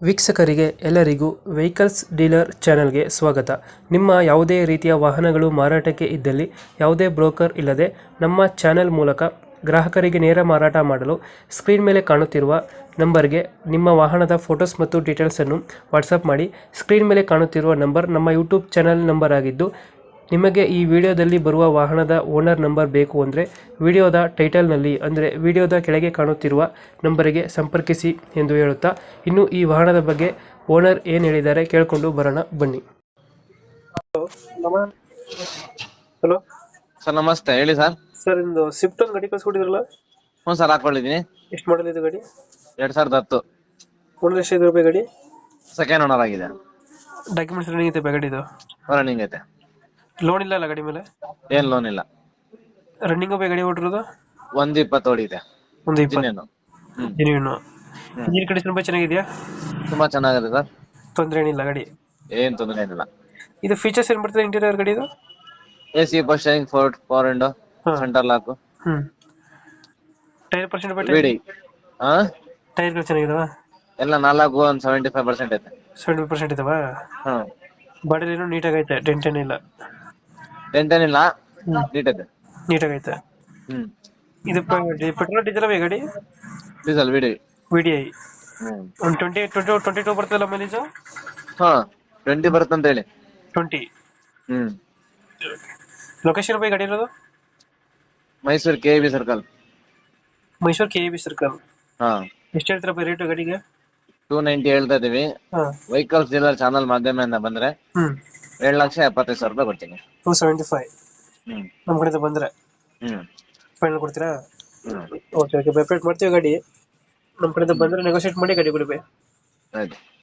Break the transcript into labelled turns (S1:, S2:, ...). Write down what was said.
S1: ವೀಕ್ಷಕರಿಗೆ ಎಲ್ಲರಿಗೂ vehicles dealer ಚಾನೆಲ್ಗೆ ಸ್ವಾಗತ. ನಿಮ್ಮ ಯಾವುದೇ ರೀತಿಯ ವಾಹನಗಳು ಮಾರಾಟಕ್ಕೆ ಇದ್ದಲ್ಲಿ ಯಾವುದೇ ಬ್ರೋಕರ್ ಇಲ್ಲದೆ ನಮ್ಮ ಚಾನೆಲ್ ಮೂಲಕ ಗ್ರಾಹಕರಿಗೆ ನೇರ ಮಾರಾಟ ಮಾಡಲು ಸ್ಕ್ರೀನ್ ಮೇಲೆ ಕಾಣುತ್ತಿರುವ ನಂಬರ್ಗೆ ನಿಮ್ಮ ವಾಹನದ ಫೋಟೋಸ್ ಮತ್ತು ಡೀಟೇಲ್ಸನ್ನು ವಾಟ್ಸಪ್ ಮಾಡಿ. ಸ್ಕ್ರೀನ್ ಮೇಲೆ ಕಾಣುತ್ತಿರುವ ನಂಬರ್ ನಮ್ಮ ಯೂಟ್ಯೂಬ್ ಚಾನೆಲ್ ನಂಬರ್ ಆಗಿದ್ದು, ನಿಮಗೆ ಈ ವಿಡಿಯೋದಲ್ಲಿ ಬರುವ ವಾಹನದ ಓನರ್ ನಂಬರ್ ಬೇಕು ಅಂದರೆ ವಿಡಿಯೋದ ಟೈಟಲ್ನಲ್ಲಿ ಅಂದರೆ ವಿಡಿಯೋದ ಕೆಳಗೆ ಕಾಣುತ್ತಿರುವ ನಂಬರಿಗೆ ಸಂಪರ್ಕಿಸಿ ಎಂದು ಹೇಳುತ್ತಾ, ಇನ್ನು ಈ ವಾಹನದ ಬಗ್ಗೆ ಓನರ್ ಏನು ಹೇಳಿದ್ದಾರೆ ಕೇಳಿಕೊಂಡು ಬರೋಣ ಬನ್ನಿ. ಹಲೋ
S2: ಸರ್ ನಮಸ್ತೆ, ಹೇಳಿ ಸರ್.
S1: ಸರ್, ಇಂದು ಸ್ವಿಫ್ಟ್ ಒಂದು ಗಾಡಿ ಕಳ್ಸ್ಕೊಟ್ಟಿದ್ರಲ್ಲ,
S2: ಹ್ಞೂ ಸರ್, ಹಾಕೊಂಡಿದ್ದೀನಿ.
S1: ಎಷ್ಟು ಮಾಡಲ್ ಇದು ಗಾಡಿ?
S2: 2010
S1: ಓನರ್ ಎಷ್ಟು ರೂಪಾಯಿ ಗಾಡಿ?
S2: ಸೆಕೆಂಡ್ ಓನರ್ ಆಗಿದೆ.
S1: ಡಾಕ್ಯುಮೆಂಟ್ಸ್ ರನ್ನಿಂಗ್ ಐತೆ ಗಾಡಿ? ಇದು
S2: ರನ್ನಿಂಗ್ ಐತೆ.
S1: ಲೋನ್ ಇಲ್ಲ ಅಲ್ಲ ಗಾಡಿ ಮೇಲೆ?
S2: ಏನ್ ಲೋನ್ ಇಲ್ಲ.
S1: ರನ್ನಿಂಗ್ ಗಾಡಿ ಓಡಿರೋದು
S2: 120 ಓಡಿದೆ.
S1: ಒಂದು 20
S2: ಇನ್ನೇನು?
S1: ಜೆನ್ಯೂನು. ಇಂಜಿನ್ ಕಂಡೀಷನ್ ತುಂಬಾ ಚೆನ್ನಾಗಿದೆಯಾ?
S2: ತುಂಬಾ ಚೆನ್ನಾಗಿದೆ ಸರ್,
S1: ತೊಂದರೆ ಏನಿಲ್ಲ ಗಾಡಿ?
S2: ಏನ್ ತೊಂದರೆ ಏನಿಲ್ಲ.
S1: ಇದು ಫೀಚರ್ಸ್ ಏನ್ ಬರ್ತದೆ ಇಂಟೀರಿಯರ್ ಗಾಡಿ ಇದು?
S2: AC first sharing, power window, centre lock,
S1: tyre percent
S2: ಬಿಡಿ.
S1: ಟೈರ್ಗಳು ಚೆನ್ನಾಗಿದಾವ?
S2: ಎಲ್ಲ 4 ಒಂದು 75% ಐತೆ.
S1: 70% ಇದಾವ? ಬಾಡಿ ಏನೋ ನೀಟಾಗಿ ಐತೆ, ಡೆಂಟ್ ಏನಿಲ್ಲ?
S2: ಡೆಂಟ್ ಏನಿಲ್ಲ, ನೀಟ್ ಐತೆ.
S1: ನೀಟಾಗಿ ಐತೆ. ಇದು ಪೆಟ್ರೋಲ್ ಡೀಸೆಲ್ ಗಾಡಿ?
S2: ಡೀಸೆಲ್ ಬಿಡಿ.
S1: VDI ಒಂದು 22 ಬರ್ತದಲ್ಲ ಮೈಲೇಜ್?
S2: 20 ಬರುತ್ತಂತ ಹೇಳಿ.
S1: 20. ಲೊಕೇಶನ್ ಗಾಡಿ ಇರೋದು?
S2: Mysuru KAB circle.
S1: Mysuru KAB circle. ಎಷ್ಟು ಹೇಳ್ತೀರಾ ರೇಟ್ ಗಾಡಿಗೆ?
S2: 290 ಹೇಳ್ತಾ ಇದೀವಿ. ವೆಹಿಕಲ್ಸ್ ಡೀಲರ್ ಚಾನಲ್ ಮಾಧ್ಯಮದಿಂದ ಬಂದ್ರೆ 7,75,000 ರೂಪಾಯಿ ಕೊಡ್ತೀನಿ.
S1: 275 ನಮ್ಮ ಕಡೆಯಿಂದ ಬಂದ್ರೆ ಫೈನಲ್ ಕೊಡ್ತೀರಾ? ಓಕೆ, ವೆಬ್ಸೈಟ್ ಮಾಡ್ತೀವಿ ಗಾಡಿ. ನಮ್ಮ ಕಡೆಯಿಂದ ಬಂದ್ರೆ ನೆಗೋಶಿಯೇಟ್ ಮಾಡಿ ಗಾಡಿ ಕೊಡಿ.
S2: ಆಯ್ತು.